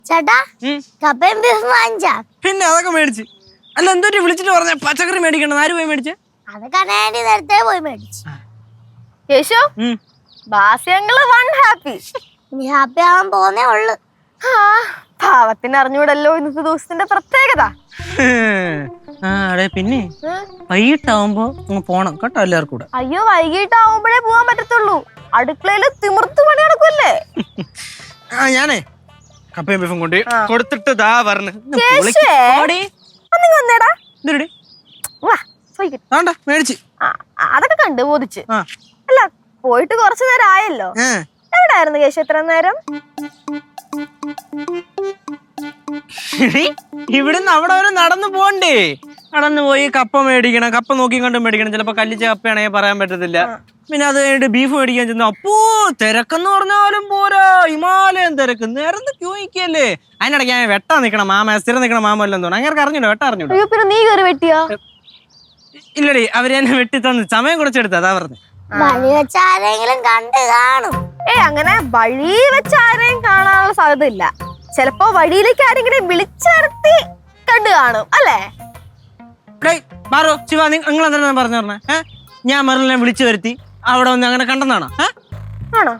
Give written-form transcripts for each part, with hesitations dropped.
ചേട്ടാ കപ്പയും ബീഫും വാങ്ങിച്ചാ? പിന്നെ അതൊക്കെ മേടിച്ച്. അല്ല എന്തോട്ട് വിളിച്ചിട്ട് പറഞ്ഞ പച്ചക്കറി മേടിക്കണം. ആര് പോയി മേടിച്ചേ? അതൊക്കെ ആന്റി നേരത്തെ പോയി മേടിച്ചു. കേശു ബാസ്യങ്ങള് ഹാപ്പി. ഇനി ഹാപ്പി ആവാൻ പോന്നേ ഉള്ളു. പാവത്തിന് അറിഞ്ഞൂടല്ലോ ഇന്നത്തെ ദിവസത്തിന്റെ പ്രത്യേകത. പിന്നെ വൈകിട്ടാവുമ്പോ പോണം കേട്ടോ എല്ലാവർക്കും കൂടെ. അയ്യോ വൈകിട്ടാവുമ്പോഴേ പോവാൻ പറ്റത്തുള്ളൂ. അടുക്കളയില് തിമിർത്ത് പണി നടക്കൂല്ലേ. ഞാനേ കപ്പയും ബീഫും കൊണ്ട് കൊടുത്തിട്ട് ദാ പറഞ്ഞു. മേടിച്ച് അതൊക്കെ കണ്ട് ബോധിച്ച്. അല്ല പോയിട്ട് കുറച്ചു നേരം ആയല്ലോ. എവിടായിരുന്നു കേശു എത്ര നേരം? ഇവിടുന്ന് അവിടെ വരെ നടന്നു പോണ്ടേ? നടന്നു പോയി കപ്പ മേടിക്കണം. കപ്പ നോക്കി കണ്ട് മേടിക്കണം. ചിലപ്പോ കല്ലിച്ച കപ്പയാണെങ്കിൽ പറയാൻ പറ്റത്തില്ല. പിന്നെ അത് കഴിഞ്ഞിട്ട് ബീഫ് മേടിക്കാൻ ചെന്നു. അപ്പോ തിരക്കെന്ന് പറഞ്ഞാലും പോരാ, ഹിമാലയം തിരക്ക്. നേരത്തെ ക്യൂ നിൽക്കല്ലേ. അതിനിടയ്ക്ക് ഞാൻ വെട്ടാൻ നിൽക്കണം. മാമ സ്ഥിരം നിൽക്കണം. മാമ എല്ലാം തോന്നുന്നു. അങ്ങനെ അറിഞ്ഞൂടോ വെട്ടാ അറിഞ്ഞൂടോ? പിന്നെ നീ കയറി വെട്ടിയോ? ഇല്ലടി, അവര് എന്നെ വെട്ടി തന്നു. സമയം കുറച്ചെടുത്ത അതാ പറഞ്ഞു. വഴി വെച്ച് ആരെങ്കിലും കണ്ടു കാണും. അങ്ങനെ വഴി വെച്ച് ആരെയും കാണാനുള്ള സാധ്യത ഇല്ല. ചിലപ്പോ വഴിയിലേക്ക് ആരെങ്കിലും വിളിച്ചിറത്തി കണ്ടു കാണും അല്ലേ? മാറോ ശിവ, നിങ്ങൾ എന്താ പറഞ്ഞു പറഞ്ഞേ? ഞാൻ മെറിലിനെ വിളിച്ചു വരുത്തി അവിടെ വന്ന് അങ്ങനെ കണ്ടെന്നാണോ? ആണോ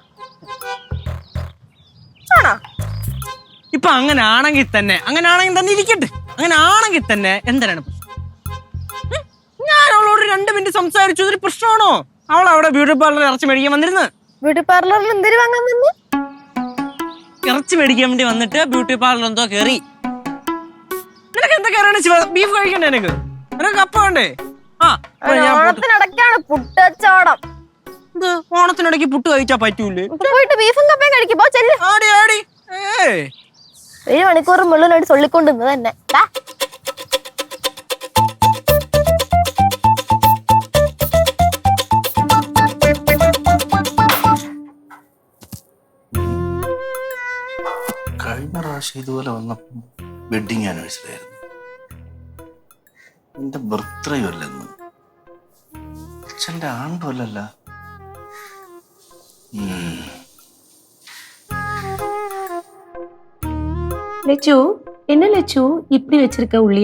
ആണോ? ഇപ്പൊ അങ്ങനെ ആണെങ്കിൽ തന്നെ ഇരിക്കട്ടെ. അങ്ങനെ ആണെങ്കിൽ തന്നെ എന്തിനാണ് ഞാൻ അവളോട് 2 മിനിറ്റ് സംസാരിച്ചു. ഇതൊരു പ്രശ്നമാണോ? അവൾ അവിടെ ബ്യൂട്ടി പാർലറിൽ ഇറച്ചി മേടിക്കാൻ വന്നിരുന്നു. ബ്യൂട്ടി പാർലറിൽ എന്തിനു വാങ്ങാൻ വന്നു? ഇറച്ചി മേടിക്കാൻ വേണ്ടി വന്നിട്ട് ബ്യൂട്ടി പാർലർ എന്തോ കയറി. നിനക്ക് എന്താ കയറാണ് ശിവ? ബീഫ് കഴിക്കണ്ടേ? നിനക്ക് കപ്പ വേണ്ടേ? ഓണത്തിനിടയ്ക്കാണ് പുട്ടച്ചോടം. ഓണത്തിനിടയ്ക്ക് പുട്ട് കഴിച്ചാ പറ്റൂലേ? പോയിട്ട് ബീഫും കപ്പയും കഴിക്കുമ്പോ ചെല്ലു. 7 മണിക്കൂർ മുഴുവനായിട്ട് ചൊല്ലിക്കൊണ്ടിരുന്നത് തന്നെ. കഴിഞ്ഞ പ്രാവശ്യം ഇതുപോലെ വന്നപ്പോൾ വെഡിങ് ആനിവേഴ്സറി ആയിരുന്നു. എന്റെ ബർത്ത്ഡേ അല്ലെന്ന്. അച്ഛൻ്റെ ആണ്ടും അല്ലല്ല. லெச்சு என்ன லெச்சு இப்படி வச்சிருக்க உள்ளிய?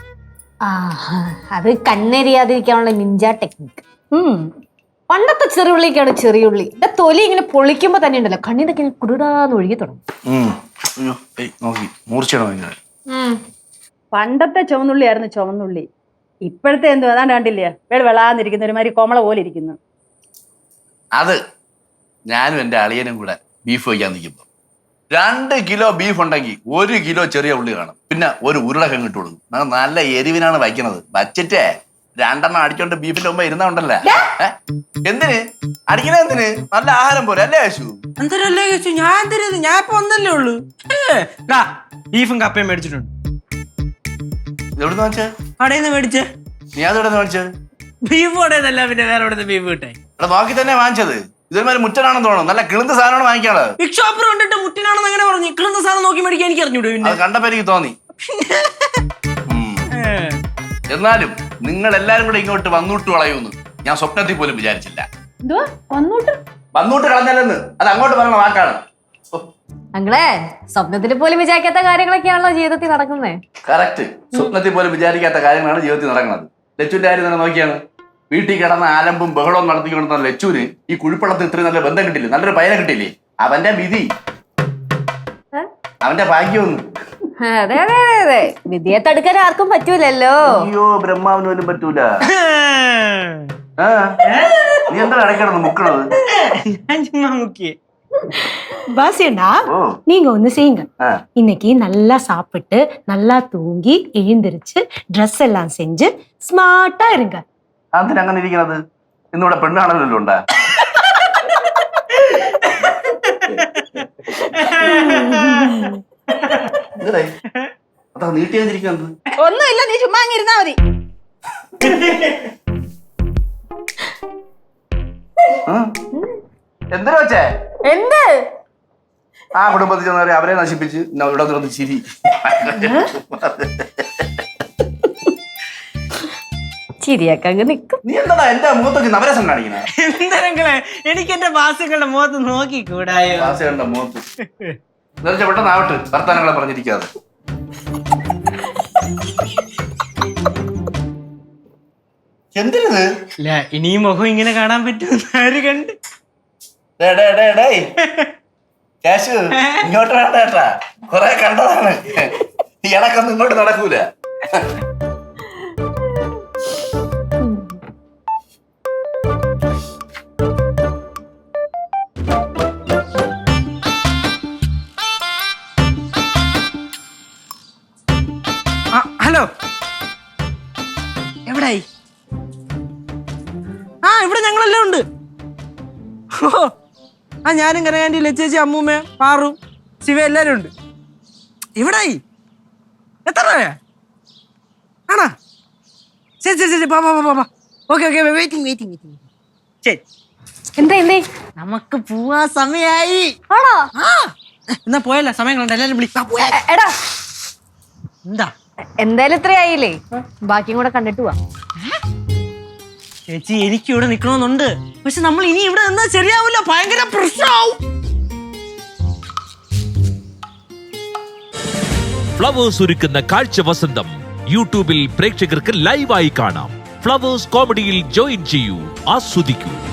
അത് കണ്ണെരിയാതിരിക്കാനുള്ള നിഞ്ച ടെക്നിക്ക്. പണ്ടത്തെ ചെറിയുള്ളിക്കാണ് ചെറിയുള്ളി. എന്റെ തൊലി ഇങ്ങനെ പൊളിക്കുമ്പോ തന്നെ ഉണ്ടല്ലോ കണ്ണിന്നൊക്കെ കുടുടാന്ന് ഒഴുകി തുടങ്ങും. പണ്ടത്തെ ചുവന്നുള്ളിയായിരുന്നു ചുവന്നുള്ളി. ഇപ്പോഴത്തെ എന്തോ അതാണ്ട് കണ്ടില്ലേ, വെളാന്നിരിക്കുന്ന ഒരുമാതിരി കോമള പോലെ ഇരിക്കുന്നു. അത് ഞാനും എന്റെ അളിയനും കൂടെ ബീഫ് വയ്ക്കാൻ നിൽക്കുമ്പോ 2 കിലോ ബീഫ് ഉണ്ടെങ്കിൽ 1 കിലോ ചെറിയ ഉള്ളി കാണും. പിന്നെ ഒരു ഉരുളക്കിഴങ്ങ് ഇട്ട് കൊടുക്കും. നല്ല എരിവിനാണ് വയ്ക്കുന്നത്. വച്ചിട്ടേ 2 അടിച്ചോണ്ട് ബീഫിന്റെ മുമ്പ് ഇരുന്നുണ്ടല്ലേ. എന്തിന് അടിക്കണ? എന്തിന്? നല്ല ആഹാരം പോലെ അല്ലേ യേശു? എന്തരല്ലേ യേശു? ഞാൻ ഇപ്പൊ ഒന്നല്ലേ ഉള്ളു. ബീഫും കപ്പയും മേടിച്ചിട്ടുണ്ട്. എവിടുന്ന് വാങ്ങിച്ചേ? കടയിൽ നിന്ന് മേടിച്ചേ. നീ അതെവിടെ വാങ്ങിച്ചത്? ബീഫ് കടയെന്നല്ല, പിന്നെ വേറെ എവിടെ ബീഫ് കിട്ടേ? അവിടെ നോക്കി തന്നെ വാങ്ങിച്ചത്. ഇതൊരുമാതിരി മുറ്റനാണെന്ന് തോന്നുന്നു. നല്ല കിളുന്ന സാധനമാണ് വാങ്ങിക്കാള്. ബിഗ് ഷോപ്പർ കണ്ടിട്ട് മുറ്റിനാണെന്ന് അങ്ങനെ പറഞ്ഞു. കിളുന്ന സാധനം നോക്കി മേടിക്കാൻ എനിക്ക് അറിഞ്ഞൂടെ? അത് കണ്ടപ്പോ എനിക്ക് തോന്നി. എന്നാലും നിങ്ങൾ എല്ലാരും കൂടെ ഇങ്ങോട്ട് വന്നൂട്ട് കളയൂന്ന് ഞാൻ സ്വപ്നത്തിൽ പോലും വിചാരിച്ചില്ല. വന്നൂട്ട് കളഞ്ഞല്ലെന്ന് അത് അങ്ങോട്ട് പറഞ്ഞ വാക്കാണ്. ഞങ്ങളെ സ്വപ്നത്തിൽ പോലും വിചാരിക്കാത്ത കാര്യങ്ങളൊക്കെയാണല്ലോ ജീവിതത്തിൽ നടക്കുന്നത്. കറക്റ്റ്. സ്വപ്നത്തിൽ പോലും വിചാരിക്കാത്ത കാര്യങ്ങളാണ് ജീവിതത്തിൽ നടക്കുന്നത്. ലച്ചുവിന്റെ കാര്യം തന്നെ നോക്കിയാണ്. വീട്ടിൽ കിടന്ന ആലമ്പും ബഹളവും നടത്തിക്കൊണ്ടിരുന്ന ലച്ചുവിന് ഈ കുഴിപ്പള്ളത്തിൽ ഇത്രയും നല്ല ബന്ധം കിട്ടില്ലേ, നല്ലൊരു പയനെ കിട്ടില്ലേ. അവന്റെ വിധി, അവന്റെ ഭാഗ്യമൊന്നും. അതെ അതെ അതെ അതെ, വിധിയെ തടുക്കാൻ ആർക്കും പറ്റൂലല്ലോ. അയ്യോ, ബ്രഹ്മാവിന് പോലും പറ്റൂല. നീ എന്താ ഇടയ്ക്കിടന്ന് മുക്കണത്? பாசியண்டா, நீங்க ஒண்ணு செய்யுங்க. இன்னைக்கு நல்லா சாப்பிட்டு நல்லா தூங்கி எழுந்திருச்சு ட்ரெஸ் எல்லாம் செஞ்சு ஸ்மார்ட்டா இருங்க. അതിന് അങ്ങനെ ഇരിക്കുന്നത്? ഇന്നിവിടെ പെണ്ണാണല്ലോ ഉണ്ടാ. അതാ നീട്ടി വന്നിരിക്കുന്നത്. ഒന്നുമില്ല, നീ ചുമ്മാ അങ്ങിരുന്നാ മതി. എന്തിനാ വെച്ചേ? എന്ത്? ആ കുടുംബത്തിൽ ചെന്നവരെ അവരെ നശിപ്പിച്ച് ഇവിടെ നിന്ന് ചിരി. ചിരിയൊക്കെ അങ്ങ് നിക്കും. നീ എന്താ എന്റെ മുഖത്തൊക്കെ നവരസം കാണിക്കണേ? എന്തെങ്കിലേ എനിക്ക് എന്റെ വാസുകളുടെ മുഖത്ത് നോക്കിക്കൂടായോ? വാസുകളുടെ മുഖത്ത് പെട്ടെന്ന് ആവട്ടെ, വർത്താനങ്ങളെ പറഞ്ഞിരിക്കാതെ. എന്തിനത്? ഇല്ല ഇനി ഈ മുഖം ഇങ്ങനെ കാണാൻ പറ്റുമെന്ന് ആര് കണ്ട്? കാശു ഇങ്ങോട്ട് വേണ്ട കേട്ടാ, കൊറേ കണ്ടതാണ്. ഈ ഇളക്കൊന്നും ഇങ്ങോട്ട് നടക്കൂല. ഹലോ, എവിടായി? ആ ഇവിടെ ഞങ്ങളെല്ലാം ഉണ്ട്. ഓ ആ ഞാനും കനകാന്റി, ലച്ചേച്ചി, അമ്മൂമ്മ, പാറു, ശിവ എല്ലാരും ഉണ്ട്. എവിടായി? എത്ര രൂപയാ? ആണോ? ശരി ശരി ശരി, ഓക്കെ ഓക്കെ, വെയിറ്റിംഗ്. ശരി, എന്തേ നമുക്ക് പോവാ സമയായി. ആണോ? ആ എന്നാ പോയല്ല, സമയം കണ്ട എല്ലാരും വിളിക്കാം. എടാ എന്താ എന്തായാലും ഇത്രയായില്ലേ, ബാക്കിയും കൂടെ കണ്ടിട്ട് പോവാ. ചേച്ചി എനിക്ക് ഇവിടെ നിക്കണമെന്നുണ്ട്, പക്ഷെ നമ്മൾ ഇനി ഇവിടെ നിന്നാ ശരിയാവില്ല, ഭയങ്കര പ്രശ്നമാവും. ഫ്ലവേഴ്സ് ഒരുക്കുന്ന കാഴ്ച വസന്തം യൂട്യൂബിൽ പ്രേക്ഷകർക്ക് ലൈവായി കാണാം. ഫ്ലവേഴ്സ് കോമഡിയിൽ ജോയിൻ ചെയ്യൂ, ആസ്വദിക്കൂ.